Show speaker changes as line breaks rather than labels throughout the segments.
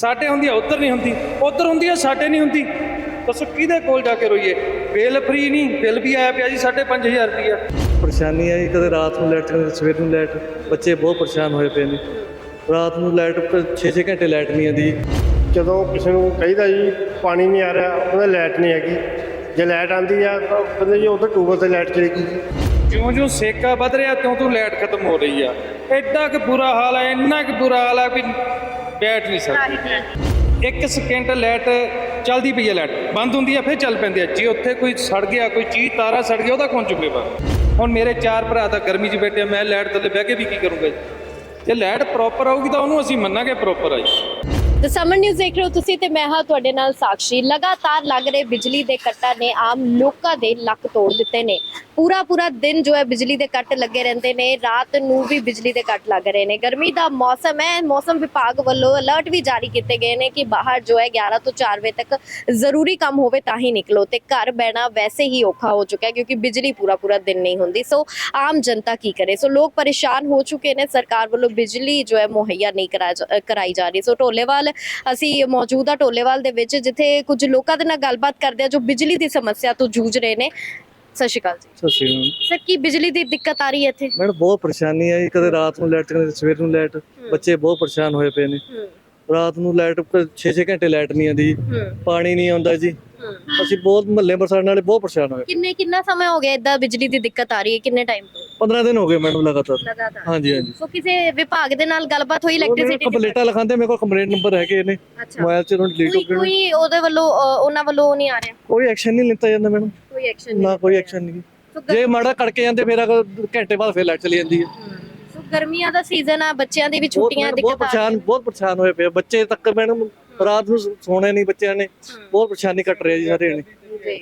ਸਾਡੇ ਹੁੰਦੀ ਆ ਉੱਧਰ ਨਹੀਂ ਹੁੰਦੀ, ਉੱਧਰ ਹੁੰਦੀ ਆ ਸਾਡੇ ਨਹੀਂ ਹੁੰਦੀ। ਦੱਸੋ ਕਿਹਦੇ ਕੋਲ ਜਾ ਕੇ ਰੋਈਏ? ਬਿੱਲ ਫਰੀ ਨਹੀਂ, ਬਿੱਲ ਵੀ ਆਇਆ ਪਿਆ ਜੀ 5,500 ਰੁਪਈਆ।
ਪਰੇਸ਼ਾਨੀ ਹੈ ਜੀ, ਕਦੇ ਰਾਤ ਨੂੰ ਲਾਈਟ ਕਦੇ ਸਵੇਰ ਨੂੰ ਲਾਈਟ। ਬੱਚੇ ਬਹੁਤ ਪਰੇਸ਼ਾਨ ਹੋਏ ਪਏ ਨੇ। ਰਾਤ ਨੂੰ ਲਾਈਟ 6-6 ਘੰਟੇ ਲਾਈਟ ਨਹੀਂ ਆਉਂਦੀ ਜੀ।
ਜਦੋਂ ਕਿਸੇ ਨੂੰ ਕਹੀਦਾ ਜੀ ਪਾਣੀ ਨਹੀਂ ਆ ਰਿਹਾ, ਉਹਦਾ ਲਾਈਟ ਨਹੀਂ ਹੈਗੀ। ਜੇ ਲਾਈਟ ਆਉਂਦੀ ਆ ਤਾਂ ਕਹਿੰਦੇ ਜੀ ਉੱਧਰ ਟਿਊਬਲ 'ਤੇ ਲਾਈਟ ਚਲੇਗੀ ਜੀ।
ਜਿਉਂ-ਜਿਉਂ ਸੇਕਾ ਵੱਧ ਰਿਹਾ ਤਿਉਂ ਲਾਈਟ ਖਤਮ ਹੋ ਰਹੀ ਆ। ਐਡਾ ਕੁ ਬੁਰਾ ਹਾਲ ਹੈ, ਇੰਨਾ ਕੁ ਬੁਰਾ ਹਾਲ ਹੈ ਵੀ ਬੈਠ ਨਹੀਂ ਸਕਦੇ। 1 ਸਕਿੰਟ ਲਾਈਟ ਚੱਲਦੀ ਪਈ ਹੈ, ਲਾਈਟ ਬੰਦ ਹੁੰਦੀ ਹੈ ਫਿਰ ਚੱਲ ਪੈਂਦੀ ਹੈ। ਜੇ ਉੱਥੇ ਕੋਈ ਸੜ ਗਿਆ, ਕੋਈ ਚੀਜ਼ ਤਾਰਾ ਸੜ ਗਿਆ, ਉਹਦਾ ਕੌਣ ਜ਼ਿੰਮੇਵਾਰ? ਹੁਣ ਮੇਰੇ 4 ਭਰਾ ਤਾਂ ਗਰਮੀ 'ਚ ਬੈਠੇ, ਮੈਂ ਲਾਈਟ ਥੱਲੇ ਬਹਿ ਕੇ ਵੀ ਕੀ ਕਰੂੰਗਾ ਜੀ? ਜੇ ਲਾਈਟ ਪ੍ਰੋਪਰ ਆਊਗੀ ਤਾਂ ਉਹਨੂੰ ਅਸੀਂ ਮੰਨਾਂਗੇ ਪ੍ਰੋਪਰ ਆਈ।
ਦ ਸਮਰ ਨਿਊਜ਼ ਦੇਖ ਰਹੇ ਹੋ ਤੁਸੀਂ ਤੇ ਮੈਂ ਹਾਂ ਤੁਹਾਡੇ ਨਾਲ ਸਾਕਸ਼ੀ। ਲਗਾਤਾਰ ਲੱਗ ਰਹੇ ਬਿਜਲੀ ਦੇ ਕੱਟਾਂ ਨੇ ਆਮ ਲੋਕਾਂ ਦੇ ਲੱਕ ਤੋੜ ਦਿੱਤੇ ਨੇ। ਪੂਰਾ ਦਿਨ ਜੋ ਹੈ ਬਿਜਲੀ ਦੇ ਕੱਟ ਲੱਗੇ ਰਹਿੰਦੇ ਨੇ, ਰਾਤ ਨੂੰ ਵੀ ਬਿਜਲੀ ਦੇ ਕੱਟ ਲੱਗ ਰਹੇ ਨੇ। ਗਰਮੀ ਦਾ ਮੌਸਮ ਹੈ, ਮੌਸਮ ਵਿਭਾਗ ਵੱਲੋਂ ਅਲਰਟ ਵੀ ਜਾਰੀ ਕੀਤੇ ਗਏ ਨੇ ਕਿ ਬਾਹਰ ਜੋ ਹੈ 11 ਤੋਂ 4 ਵਜੇ ਤੱਕ ਜ਼ਰੂਰੀ ਕੰਮ ਹੋਵੇ ਤਾਂ ਹੀ ਨਿਕਲੋ। ਤੇ ਘਰ ਬਹਿਣਾ ਵੈਸੇ ਹੀ ਔਖਾ ਹੋ ਚੁੱਕਾ ਹੈ ਕਿਉਂਕਿ ਬਿਜਲੀ ਪੂਰਾ ਦਿਨ ਨਹੀਂ ਹੁੰਦੀ। ਸੋ ਆਮ ਜਨਤਾ ਕੀ ਕਰੇ? ਸੋ ਲੋਕ ਪਰੇਸ਼ਾਨ ਹੋ ਚੁੱਕੇ ਨੇ। ਸਰਕਾਰ ਵੱਲੋਂ ਬਿਜਲੀ ਜੋ ਹੈ ਮੁਹੱਈਆ ਨਹੀਂ ਕਰਾਈ ਜਾ ਰਹੀ। ਸੋ ਢੋਲੇਵਾਲ ਅਸੀਂ ਮੌਜੂਦ ਆ ਢੋਲੇਵਾਲ ਦੇ ਵਿੱਚ, ਜਿੱਥੇ ਕੁਝ ਲੋਕਾਂ ਦੇ ਨਾਲ ਗੱਲਬਾਤ ਕਰਦੇ ਆ ਜੋ ਬਿਜਲੀ ਦੀ ਸਮੱਸਿਆ ਤੋਂ ਜੂਝ ਰਹੇ ਨੇ। ਸਤਿ ਸ਼੍ਰੀ ਅਕਾਲ ਜੀ।
ਸਤਿ ਸ਼੍ਰੀ ਅਕਾਲ
ਸਰ, ਕੀ ਬਿਜਲੀ ਦੀ ਦਿੱਕਤ ਆ ਰਹੀ ਹੈ ਇੱਥੇ?
ਮੈਡਮ ਬਹੁਤ ਪਰੇਸ਼ਾਨੀ ਹੈ ਜੀ, ਕਦੇ ਰਾਤ ਨੂੰ ਲਾਈਟ ਕਦੇ ਸਵੇਰ ਨੂੰ ਲਾਈਟ। ਬੱਚੇ ਬਹੁਤ ਪਰੇਸ਼ਾਨ ਹੋਏ ਪਏ ਨੇ। ਰਾਤ ਨੂੰ ਲਾਈਟ 6-6 ਘੰਟੇ ਲਾਈਟ ਨਹੀਂ ਆਉਂਦੀ ਜੀ। ਪਾਣੀ ਨਹੀਂ ਆਉਂਦਾ ਜੀ। ਅਸੀਂ ਬਹੁਤ ਮਹੱਲੇ ਬਰਸਾਤ ਨਾਲੇ ਬਹੁਤ ਪਰੇਸ਼ਾਨ ਹੋਏ।
ਕਿੰਨਾ ਸਮਾਂ ਹੋ ਗਿਆ ਇਦਾਂ ਬਿਜਲੀ ਦੀ ਦਿੱਕਤ ਆ ਰਹੀ ਹੈ? ਕਿੰਨੇ ਟਾਈਮ ਤੋਂ?
15 ਦਿਨ ਹੋ ਗਏ ਮੈਡਮ ਲਗਾਤਾਰ। ਹਾਂਜੀ।
ਸੋ ਕਿਸੇ ਵਿਭਾਗ ਦੇ ਨਾਲ ਗੱਲਬਾਤ ਹੋਈ ਇਲੈਕਟ੍ਰਿਸਿਟੀ?
ਕੰਪਲੇਂਟਾਂ ਲਿਖਾਉਂਦੇ, ਮੇਰੇ ਕੋਲ ਕੰਪਲੇਂਟ ਨੰਬਰ ਹੈਗੇ ਨੇ ਮੋਬਾਈਲ 'ਚ, ਡਿਲੀਟ ਹੋ ਗਏ।
ਕੋਈ ਉਹਦੇ ਵੱਲੋਂ ਉਹਨਾਂ ਵੱਲੋਂ ਨਹੀਂ ਆ ਰਿਹਾ?
ਕੋਈ ਐਕਸ਼ਨ ਨਹੀਂ ਲਿੱਤਾ ਜਾਂਦਾ ਮੈਡਮ।
ਕੋਈ ਐਕਸ਼ਨ
ਨਾ ਕੋਈ ਐਕਸ਼ਨ ਨਹੀਂ। ਜੇ ਮਾੜਾ ਕੜਕੇ ਜਾਂਦੇ ਫਿਰ ਘੰਟੇ ਬਾਅਦ ਫਿਰ ਲਾਈਟ ਚਲੀ ਜਾਂਦੀ ਹੈ।
ਸੋ ਗਰਮੀਆਂ ਦਾ ਸੀਜ਼ਨ ਆ, ਬੱਚਿਆਂ ਦੀ ਵੀ ਛੁੱਟੀਆਂ,
ਬਹੁਤ ਪਰੇਸ਼ਾਨ ਹੋਏ ਪਏ ਬੱਚੇ ਤੱਕ। ਮੈਡਮ ਰਾਤ ਨੂੰ ਸੋਣੇ ਨਹੀਂ ਬੱਚਿਆਂ ਨੇ, ਬਹੁਤ ਪਰੇਸ਼ਾਨੀ ਕੱਟ ਰਹੀ ਹੈ ਜੀ ਸਾਰੇ ਨੇ।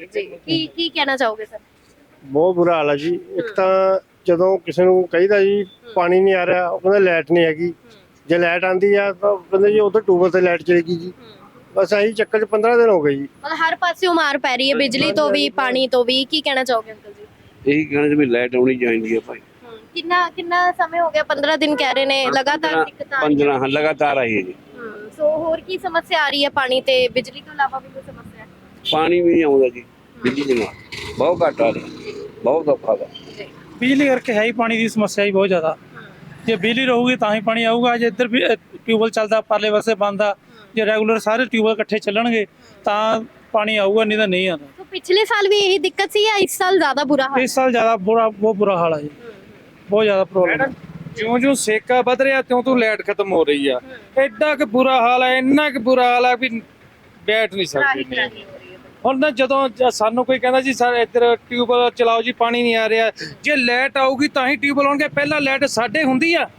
ਜੀ ਕੀ ਕਹਿਣਾ ਚਾਹੋਗੇ ਸਰ?
ਬਹੁਤ ਬੁਰਾ ਹਾਲ ਹੈ ਜੀ। ਇੱਕ ਤਾਂ ਜਦੋਂ ਕਿਸੇ ਨੂੰ ਕਹੀਦਾ ਜੀ ਪਾਣੀ ਨਹੀਂ ਆ ਰਿਹਾ, ਉਹ ਕਹਿੰਦਾ ਲਾਈਟ ਨਹੀਂ ਹੈਗੀ। ਜੇ ਲਾਈਟ ਆਉਂਦੀ ਆ ਤਾਂ ਕਹਿੰਦੇ ਜੀ ਉੱਧਰ ਟਿਊਬਲ 'ਤੇ ਲਾਈਟ ਚਲੇਗੀ ਜੀ। ਬਸ ਆਹੀ ਚੱਕਰ 'ਚ 15 ਦਿਨ ਹੋ ਗਏ ਜੀ।
ਮਤਲਬ ਹਰ ਪਾਸਿਓਂ ਮਾਰ ਪੈ ਰਹੀ ਹੈ, ਬਿਜਲੀ ਤੋਂ ਵੀ, ਪਾਣੀ ਤੋਂ ਵੀ। ਕੀ ਕਹਿਣਾ ਚਾਹੋਗੇ ਅੰਕਲ ਜੀ?
ਇਹੀ ਕਹਿਣਾ ਵੀ ਲਾਈਟ ਆਉਣੀ ਚਾਹੀਦੀ ਹੈ ਭਾਈ।
ਕਿੰਨਾ ਸਮੇਂ ਹੋ ਗਿਆ? 15 ਦਿਨ ਕਹਿ ਰਹੇ ਨੇ ਲਗਾਤਾਰ ਦਿੱਕਤ ਆ ਰਹੀ ਹੈ।
15 ਲਗਾਤਾਰ ਆਈ ਹੈ ਜੀ।
ਸੋ ਹੋਰ ਕੀ ਸਮੱਸਿਆ ਆ ਰਹੀ ਹੈ? ਪਾਣੀ ਤੇ ਬਿਜਲੀ ਤੋਂ ਇਲਾਵਾ ਵੀ ਕੋਈ ਸਮੱਸਿਆ ਹੈ?
ਪਾਣੀ ਵੀ ਨਹੀਂ ਆਉਂਦਾ ਜੀ, ਬਿਜਲੀ ਦੇ ਨਾਲ ਬਹੁਤ ਘੱਟ ਆ ਰਹੀ, ਬਹੁਤ ਔਖਾ ਵਾ।
ਬਿਜਲੀ ਕਰਕੇ ਹੈ ਹੀ ਪਾਣੀ ਦੀ ਸਮੱਸਿਆ ਹੀ ਬਹੁਤ ਜ਼ਿਆਦਾ। ਜੇ ਬਿਜਲੀ ਰਹੂਗੀ ਤਾਂ ਹੀ ਪਾਣੀ ਆਊਗਾ। ਜੇ ਇੱਧਰ ਵੀ ਟਿਊਬਵੈਲ ਚੱਲਦਾ, ਪਰਲੇ ਪਾਸੇ ਬੰਦ ਆ, ਜੇ ਰੈਗੂਲਰ ਸਾਰੇ ਟਿਊਬਵੈਲ ਇਕੱਠੇ ਚੱਲਣਗੇ ਤਾਂ ਪਾਣੀ ਆਊਗਾ, ਨਹੀਂ ਤਾਂ ਨਹੀਂ ਆਉਂਦਾ।
ਸੋ ਪਿਛਲੇ ਸਾਲ ਵੀ ਇਹੀ ਦਿੱਕਤ ਸੀ ਜਾਂ ਇਸ ਸਾਲ ਜ਼ਿਆਦਾ ਬੁਰਾ ਹਾਲ?
ਇਸ ਸਾਲ ਜ਼ਿਆਦਾ ਬਹੁਤ ਬੁਰਾ ਹਾਲ ਆ ਜੀ, ਬਹੁਤ ਜ਼ਿਆਦਾ ਪ੍ਰੋਬਲਮ।
ਜਿਉਂ-ਜਿਉਂ ਸੇਕਾ ਵੱਧ ਰਿਹਾ ਤਿਉਂ ਲਾਈਟ ਖਤਮ ਹੋ ਰਹੀ ਆ। ਐਡਾ ਕੁ ਬੁਰਾ ਹਾਲ ਹੈ, ਇੰਨਾ ਕੁ ਬੁਰਾ ਹਾਲ ਹੈ ਵੀ ਬੈਠ ਨਹੀਂ ਸਕਦੇ। ਹੁਣ ਨਾ ਜਦੋਂ ਸਾਨੂੰ ਕੋਈ ਕਹਿੰਦਾ ਜੀ ਸਰ ਇੱਧਰ ਟਿਊਬਵੈਲ ਚਲਾਓ ਜੀ, ਪਾਣੀ ਨਹੀਂ ਆ ਰਿਹਾ, ਜੇ ਲਾਈਟ ਆਊਗੀ ਤਾਂ ਹੀ ਟਿਊਬਵੈਲ ਆਉਣਗੇ। ਪਹਿਲਾਂ ਲਾਈਟ ਸਾਡੇ ਹੁੰਦੀ ਆ,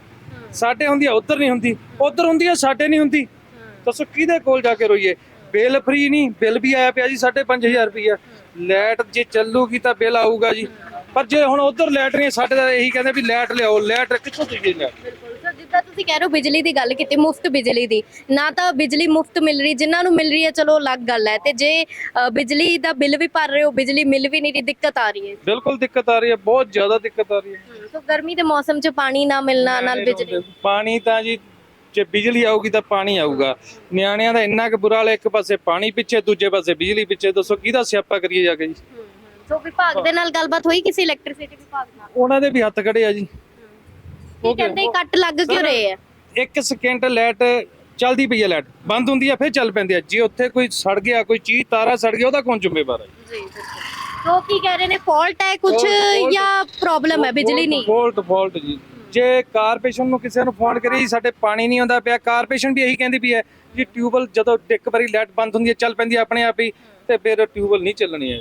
ਉੱਧਰ ਨਹੀਂ ਹੁੰਦੀ, ਉੱਧਰ ਹੁੰਦੀ ਆ ਸਾਡੇ ਨਹੀਂ ਹੁੰਦੀ। ਦੱਸੋ ਕਿਹਦੇ ਕੋਲ ਜਾ ਕੇ ਰੋਈਏ? ਬਿੱਲ ਫਰੀ ਨਹੀਂ, ਬਿੱਲ ਵੀ ਆਇਆ ਪਿਆ ਜੀ 5,500 ਰੁਪਈਆ। ਲਾਈਟ ਜੇ ਚੱਲੂਗੀ ਤਾਂ ਬਿੱਲ ਆਊਗਾ ਜੀ। ਪਰ ਜੇ ਹੁਣ ਉੱਧਰ ਲਾਈਟ ਨਹੀਂ, ਸਾਡੇ ਤਾਂ ਇਹੀ ਕਹਿੰਦੇ ਵੀ ਲਾਈਟ ਲਿਆਓ। ਲਾਈਟ ਕਿੱਥੋਂ ਦਈਏ?
ਬਿਲਕੁਲ ਸਰ, ਜਿੱਦਾਂ ਤੁਸੀਂ ਕਹਿ ਰਹੇ ਹੋ ਬਿਜਲੀ ਦੀ ਗੱਲ ਕੀਤੀ, ਮੁਫਤ ਬਿਜਲੀ ਦੀ, ਨਾ ਤਾਂ ਬਿਜਲੀ ਮੁਫਤ ਮਿਲ ਰਹੀ, ਜਿਨ੍ਹਾਂ ਨੂੰ ਮਿਲ ਰਹੀ ਹੈ ਚਲੋ ਅਲੱਗ ਗੱਲ ਹੈ। ਤੇ ਜੇ ਬਿਜਲੀ ਦਾ ਬਿੱਲ ਵੀ ਭਰ ਰਹੇ ਹੋ, ਬਿਜਲੀ ਮਿਲ ਵੀ ਨਹੀਂ ਰਹੀ, ਦਿੱਕਤ ਆ ਰਹੀ ਹੈ।
ਬਿਲਕੁਲ ਦਿੱਕਤ ਆ ਰਹੀ ਹੈ, ਬਹੁਤ ਜ਼ਿਆਦਾ ਦਿੱਕਤ ਆ ਰਹੀ ਹੈ।
ਸੋ ਗਰਮੀ ਦੇ ਮੌਸਮ 'ਚ ਪਾਣੀ ਨਾ ਮਿਲਣਾ, ਨਾਲ ਬਿਜਲੀ।
ਪਾਣੀ ਤਾਂ ਜੀ ਜੇ ਬਿਜਲੀ ਆਊਗੀ ਤਾਂ ਪਾਣੀ ਆਊਗਾ। ਨਿਆਣਿਆਂ ਦਾ ਇੰਨਾ ਕੁ ਬੁਰਾ ਹਾਲ, ਇੱਕ ਪਾਸੇ ਪਾਣੀ ਪਿੱਛੇ, ਦੂਜੇ ਪਾਸੇ ਬਿਜਲੀ ਪਿੱਛੇ। ਦੱਸੋ ਕਿਹਦਾ ਸਿਆਪਾ ਕਰੀਏ ਜਾ ਕੇ ਜੀ?
ਸੋ ਵਿਭਾਗ ਦੇ ਨਾਲ ਗੱਲਬਾਤ ਹੋਈ ਕਿਸੇ ਇਲੈਕਟ੍ਰਿਸਿਟੀ ਵਿਭਾਗ ਨਾਲ?
ਉਹਨਾਂ ਦੇ ਵੀ ਹੱਥ ਖੜੇ ਆ ਜੀ।
ਕੀ ਕਹਿੰਦੇ ਕੱਟ ਲੱਗ ਕਿਉਂ ਰਹੇ ਆ?
1 ਸਕਿੰਟ ਲਾਈਟ ਚੱਲਦੀ ਪਈ ਹੈ, ਲਾਈਟ ਬੰਦ ਹੁੰਦੀ ਆ ਫਿਰ ਚੱਲ ਪੈਂਦੀ ਆ। ਜੇ ਉੱਥੇ ਕੋਈ ਸੜ ਗਿਆ, ਕੋਈ ਚੀਜ਼ ਤਾਰਾ ਸੜ ਗਿਆ, ਉਹਦਾ ਕੌਣ ਜ਼ਿੰਮੇਵਾਰ ਹੈ?
ਜੀ ਸੋ ਕੀ ਕਹਿ ਰਹੇ ਨੇ, ਫਾਲਟ ਹੈ ਕੁਝ ਜਾਂ ਪ੍ਰੋਬਲਮ ਹੈ ਬਿਜਲੀ ਨਹੀਂ?
ਫਾਲਟ ਜੀ। ਜੇ ਕਾਰਪੋਰੇਸ਼ਨ ਨੂੰ ਕਿਸੇ ਨੂੰ ਫੋਨ ਕਰੀ ਸਾਡੇ ਪਾਣੀ ਨਹੀਂ ਆਉਂਦਾ ਪਿਆ, ਕਾਰਪੋਰੇਸ਼ਨ ਵੀ ਇਹੀ ਕਹਿੰਦੀ ਵੀ ਹੈ ਜੀ ਟਿਊਬਵੈਲ ਜਦੋਂ ਇੱਕ ਵਾਰੀ ਲਾਈਟ ਬੰਦ ਹੁੰਦੀ ਹੈ ਚੱਲ ਪੈਂਦੀ ਹੈ ਆਪਣੇ ਆਪ ਹੀ, ਤੇ ਫਿਰ ਟਿਊਬਵੈਲ ਨਹੀਂ ਚੱਲਣੀ ਹੈ।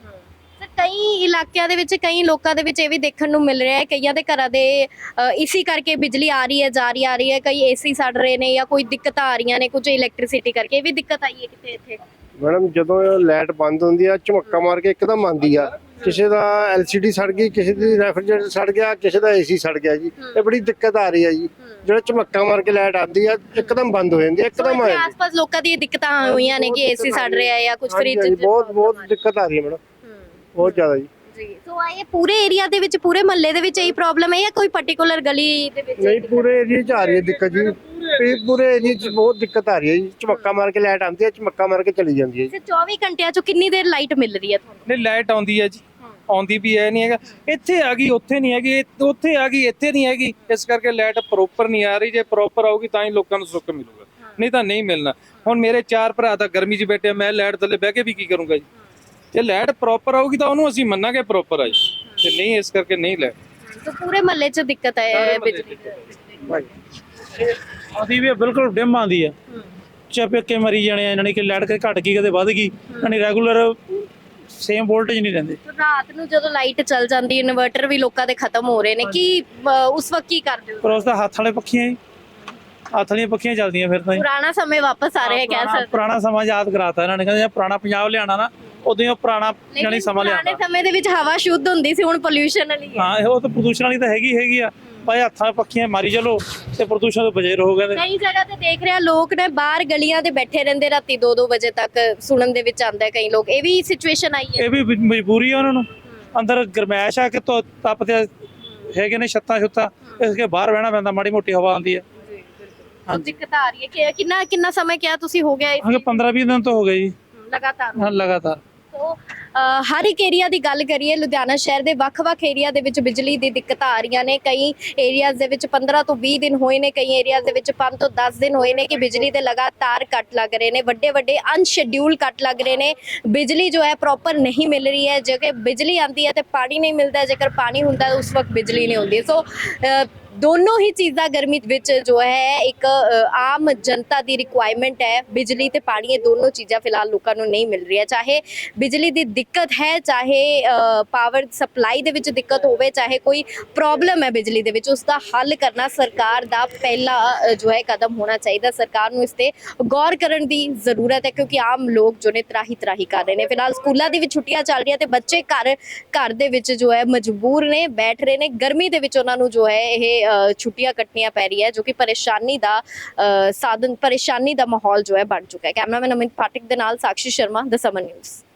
ਕਈ ਇਲਾਕਿਆਂ ਦੇ ਵਿੱਚ, ਕਈ ਲੋਕਾਂ ਦੇ ਵਿੱਚ ਇਹ ਵੀ ਦੇਖਣ ਨੂੰ ਮਿਲ ਰਿਹਾ ਹੈ, ਕਈਆਂ ਦੇ ਘਰਾਂ ਦੇ ਇਸੀ ਕਰਕੇ ਬਿਜਲੀ ਆ ਰਹੀ ਹੈ, ਜਾ ਰਹੀ ਹੈ। ਕਈ ਏਸੀ ਸੜ ਰਹੇ ਨੇ ਜਾਂ ਕੋਈ ਦਿੱਕਤਾਂ ਆ ਰਹੀਆਂ ਨੇ ਕੁਝ ਇਲੈਕਟ੍ਰਿਸਿਟੀ ਕਰਕੇ। ਇਹ ਵੀ ਦਿੱਕਤ ਆਈ ਹੈ ਕਿਤੇ ਇੱਥੇ?
ਮੈਡਮ ਜਦੋਂ ਲਾਈਟ ਬੰਦ ਹੁੰਦੀ ਆ, ਝਮੱਕਾ ਮਾਰ ਕੇ ਇੱਕਦਮ ਆਉਂਦੀ ਆ। ਕਿਸੇ ਦਾ LCD ਸੜ ਗਈ, ਕਿਸੇ ਦੀ ਰੈਫ੍ਰਿਜਰੇਟਰ ਸੜ ਗਿਆ, ਕਿਸੇ ਦਾ AC ਸੜ ਗਿਆ ਜੀ। ਇਹ ਬੜੀ ਦਿੱਕਤ ਆ ਰਹੀ ਹੈ ਜੀ। ਜਿਹੜਾ ਝਮੱਕਾ ਮਾਰ ਕੇ ਲਾਈਟ ਆਉਂਦੀ ਆ, ਇੱਕਦਮ ਬੰਦ ਹੋ ਜਾਂਦੀ ਹੈ, ਇੱਕਦਮ ਆ ਜਾਂਦੀ।
ਆਸ-ਪਾਸ ਲੋਕਾਂ ਦੀ ਦਿੱਕਤਾਂ ਹੋਈਆਂ ਨੇ ਕਿ AC ਸੜ ਰਿਹਾ ਹੈ ਜਾਂ ਕੁਝ ਫ੍ਰਿਜ।
ਬਹੁਤ ਦਿੱਕਤ ਆ ਰਹੀ ਹੈ ਮੈਡਮ, ਬਹੁਤ ਜ਼ਿਆਦਾ ਜੀ।
ਸੋ ਇਹ ਪੂਰੇ ਏਰੀਆ ਦੇ ਵਿੱਚ, ਪੂਰੇ ਮਹੱਲੇ ਦੇ ਵਿੱਚ ਇਹੀ ਪ੍ਰੋਬਲਮ ਹੈ ਜਾਂ ਕੋਈ ਪਾਰਟਿਕੂਲਰ ਗਲੀ ਦੇ ਵਿੱਚ?
ਨਹੀਂ, ਪੂਰੇ ਏਰੀਆ 'ਚ ਆ ਰਹੀ ਹੈ ਦਿੱਕਤ ਜੀ। ਪੂਰੇ ਏਰੀਏ 'ਚ ਬਹੁਤ ਦਿੱਕਤ ਆ ਰਹੀ ਹੈ ਜੀ। ਝਮੱਕਾ ਮਾਰ ਕੇ ਲਾਈਟ ਆਉਂਦੀ ਹੈ, ਝਮੱਕਾ ਮਾਰ ਕੇ ਚਲੀ ਜਾਂਦੀ ਹੈ ਜੀ।
ਤੇ 24 ਘੰਟਿਆਂ ਚੋਂ ਕਿੰਨੀ ਦੇਰ ਲਾਈਟ ਮਿਲ ਰਹੀ ਹੈ ਤੁਹਾਨੂੰ?
ਨਹੀਂ ਲਾਈਟ ਆਉਂਦੀ ਹੈ ਜੀ, ਆਉਂਦੀ ਵੀ ਹੈ ਨਹੀਂ ਹੈਗਾ। ਇੱਥੇ ਆ ਗਈ ਉੱਥੇ ਨਹੀਂ ਹੈਗੀ, ਉੱਥੇ ਆ ਗਈ ਇੱਥੇ ਨਹੀਂ ਹੈਗੀ। ਇਸ ਕਰਕੇ ਲਾਈਟ ਪ੍ਰੋਪਰ ਨਹੀਂ ਆ ਰਹੀ। ਜੇ ਪ੍ਰੋਪਰ ਆਊਗੀ ਤਾਂ ਹੀ ਲੋਕਾਂ ਨੂੰ ਸੁੱਖ ਮਿਲੂਗਾ, ਨਹੀਂ ਤਾਂ ਨਹੀਂ ਮਿਲਣਾ। ਹੁਣ ਮੇਰੇ 4 ਭਰਾ ਤਾਂ ਗਰਮੀ 'ਚ ਬੈਠੇ ਆ, ਮੈਂ ਲਾਈਟ ਥੱਲੇ ਬਹਿ ਕੇ ਵੀ ਕੀ ਕਰੂੰਗਾ ਜੀ। ਜੇ ਲਾਈਟ ਪ੍ਰੋਪਰ ਆਊਗੀ ਤਾਂ ਉਹਨੂੰ ਅਸੀਂ ਮੰਨਾਂਗੇ ਪ੍ਰੋਪਰ ਆ ਜੀ, ਤੇ ਨਹੀਂ ਇਸ ਕਰਕੇ ਨਹੀਂ ਲਾਈਟ।
ਤਾਂ ਪੂਰੇ ਮਹੱਲੇ 'ਚ ਦਿੱਕਤ ਹੈ ਬਿਜਲੀ ਦੀ।
ਆਦੀ ਵੀ ਬਿਲਕੁਲ ਡਿਮ ਆਉਂਦੀ ਆ, ਚਪੇਕੇ ਮਰੀ ਜਾਣੇ ਆ, ਯਾਨੀ ਕਿ ਲਾਈਟ ਘਟ ਗਈ ਕਦੇ ਵੱਧ ਗਈ, ਯਾਨੀ ਰੈਗੂਲਰ ਸੇਮ ਵੋਲਟੇਜ ਨਹੀਂ ਰਹਿੰਦੇ।
ਰਾਤ ਨੂੰ ਜਦੋਂ ਲਾਈਟ ਚੱਲ ਜਾਂਦੀ, ਇਨਵਰਟਰ ਵੀ ਲੋਕਾਂ ਦੇ ਖਤਮ ਹੋ ਰਹੇ ਨੇ, ਕੀ ਉਸ ਵਕਤ ਕੀ ਕਰਦੇ ਹੋ?
ਪਰ ਉਸ ਦਾ ਹੱਥ ਵਾਲੇ ਪੱਖੀਆਂ ਹੀ, ਹੱਥ ਵਾਲੀਆਂ ਪੱਖੀਆਂ ਚੱਲਦੀਆਂ ਫਿਰ ਤਾਂ ਜੀ।
ਪੁਰਾਣਾ ਸਮੇਂ ਵਾਪਸ ਆ ਰਿਹਾ ਕਹਿ ਸਕਦੇ।
ਪੁਰਾਣਾ ਸਮਾਂ ਯਾਦ ਕਰਾਤਾ ਇਹਨਾਂ ਨੇ, ਕਹਿੰਦੇ ਪੁਰਾਣਾ ਪੰਜਾਬ ਲਿਆਣਾ ਨਾ, ਉਦੋਂ ਹੀ ਪੁਰਾਣਾ ਯਾਨੀ ਸਮਾਂ
ਪੁਰਾਣੇ
ਲਿਆਣਾ।
ਸਮੇਂ ਦੇ ਵਿੱਚ ਹਵਾ ਸ਼ੁੱਧ ਹੁੰਦੀ ਸੀ, ਹੁਣ ਪੋਲਿਊਸ਼ਨ ਵਾਲੀ ਹੈ।
ਹਾਂ ਉਹ ਤਾਂ ਪ੍ਰਦੂਸ਼ਣ ਵਾਲੀ ਤਾਂ ਹੈਗੀ ਆ, ਭਾਈ ਹੱਥਾਂ ਪੱਖੀਆਂ ਮਾਰੀ ਚਲੋ ਤੇ ਪ੍ਰਦੂਸ਼ਣ ਤੋਂ ਬਚੇ ਰਹੋ ਕਹਿੰਦੇ।
ਕਈ ਜਗ੍ਹਾ ਤੇ ਦੇਖ ਰਿਹਾ ਲੋਕ ਨੇ ਬਾਹਰ ਗਲੀਆਂ ਤੇ ਬੈਠੇ ਰਹਿੰਦੇ ਰਾਤੀ 2-2 ਵਜੇ ਤੱਕ, ਸੁਣਨ ਦੇ ਵਿੱਚ ਆਉਂਦਾ ਕਈ ਲੋਕ। ਇਹ ਵੀ ਸਿਚੁਏਸ਼ਨ ਆਈ ਹੈ।
ਇਹ ਵੀ ਮਜਬੂਰੀ ਆ ਉਹਨਾਂ ਨੂੰ, ਅੰਦਰ ਗਰਮੈਸ਼ ਆ ਕਿ ਤਪਦੇ ਹੈਗੇ ਨੇ ਛੱਤਾਂ, ਇਸ ਕਰਕੇ ਬਾਹਰ ਬਹਿਣਾ ਪੈਂਦਾ, ਮਾੜੀ ਮੋਟੀ ਹਵਾ ਆਉਂਦੀ ਹੈ।
ਉਹ ਦਿੱਕਤ ਆ ਰਹੀ ਹੈ ਕਿ ਕਿੰਨਾ ਸਮੇਂ ਕਿਹਾ ਤੁਸੀਂ ਹੋ ਗਿਆ
ਹਾਂ 15-20 ਦਿਨ ਤੋਂ ਹੋ ਗਏ ਜੀ
ਲਗਾਤਾਰ?
ਹਾਂ ਲਗਾਤਾਰ।
ਸੋ ਹਰ ਇੱਕ ਏਰੀਆ ਦੀ ਗੱਲ ਕਰੀਏ, ਲੁਧਿਆਣਾ ਸ਼ਹਿਰ ਦੇ ਵੱਖ-ਵੱਖ ਏਰੀਆ ਦੇ ਵਿੱਚ ਬਿਜਲੀ ਦੀ ਦਿੱਕਤਾਂ ਆ ਰਹੀਆਂ ਨੇ। ਕਈ ਏਰੀਆਜ਼ ਦੇ ਵਿੱਚ 15 ਤੋਂ 20 ਦਿਨ ਹੋਏ ਨੇ, ਕਈ ਏਰੀਆਜ਼ ਦੇ ਵਿੱਚ 5 ਤੋਂ 10 ਦਿਨ ਹੋਏ ਨੇ ਕਿ ਬਿਜਲੀ ਦੇ ਲਗਾਤਾਰ ਕੱਟ ਲੱਗ ਰਹੇ ਨੇ। ਵੱਡੇ ਅਨਸ਼ੈਡਿਊਲ ਕੱਟ ਲੱਗ ਰਹੇ ਨੇ। ਬਿਜਲੀ ਜੋ ਹੈ ਪ੍ਰੋਪਰ ਨਹੀਂ ਮਿਲ ਰਹੀ ਹੈ। ਜੇਕਰ ਬਿਜਲੀ ਆਉਂਦੀ ਹੈ ਤੇ ਪਾਣੀ ਨਹੀਂ ਮਿਲਦਾ, ਜੇਕਰ ਪਾਣੀ ਹੁੰਦਾ ਹੈ ਉਸ ਵਕਤ ਬਿਜਲੀ ਨਹੀਂ ਹੁੰਦੀ। ਸੋ ਦੋਨੋਂ ਹੀ ਚੀਜ਼ਾਂ ਗਰਮੀ ਵਿੱਚ ਜੋ ਹੈ ਇੱਕ ਆਮ ਜਨਤਾ ਦੀ ਰਿਕੁਆਇਰਮੈਂਟ ਹੈ। ਬਿਜਲੀ ਤੇ ਪਾਣੀ, ਇਹ ਦੋਨੋਂ ਚੀਜ਼ਾਂ ਫਿਲਹਾਲ ਲੋਕਾਂ ਨੂੰ ਨਹੀਂ ਮਿਲ ਰਹੀਆਂ। ਚਾਹੇ ਬਿਜਲੀ ਦੀ ਦਿੱਕਤ ਹੈ, ਚਾਹੇ ਪਾਵਰ ਸਪਲਾਈ ਦੇ ਵਿੱਚ ਦਿੱਕਤ ਹੋਵੇ, ਚਾਹੇ ਕੋਈ ਪ੍ਰੋਬਲਮ ਹੈ ਬਿਜਲੀ ਦੇ ਵਿੱਚ, ਉਸ ਦਾ ਹੱਲ ਕਰਨਾ ਸਰਕਾਰ ਦਾ ਪਹਿਲਾ ਜੋ ਹੈ ਕਦਮ ਹੋਣਾ ਚਾਹੀਦਾ। ਸਰਕਾਰ ਨੂੰ ਇਸ ਤੇ ਗੌਰ ਕਰਨ ਦੀ ਜ਼ਰੂਰਤ ਹੈ, ਕਿਉਂਕਿ ਆਮ ਲੋਕ ਜੋ ਨੇ ਤਰਾਹੀ ਕਰ ਰਹੇ ਨੇ। ਫਿਲਹਾਲ ਸਕੂਲਾਂ ਦੀ ਵੀ ਛੁੱਟੀਆਂ ਚੱਲ ਰਹੀਆਂ ਤੇ ਬੱਚੇ ਘਰ ਦੇ ਵਿੱਚ ਜੋ ਹੈ ਮਜਬੂਰ ਨੇ, ਬੈਠ ਰਹੇ ਨੇ। ਗਰਮੀ ਦੇ ਵਿੱਚ ਉਹਨਾਂ ਨੂੰ ਜੋ ਹੈ ਇਹ ਛੁੱਟੀਆਂ ਕੱਟਣੀਆਂ ਪੈ ਰਹੀ ਹੈ, ਜੋ ਕਿ ਪਰੇਸ਼ਾਨੀ ਦਾ ਮਾਹੌਲ ਜੋ ਹੈ ਬਣ ਚੁੱਕਾ ਹੈ। ਕੈਮਰਾਮੈਨ ਅਮਿਤ ਪਾਠਕ ਦੇ ਨਾਲ Sakshi Sharma, the summon news.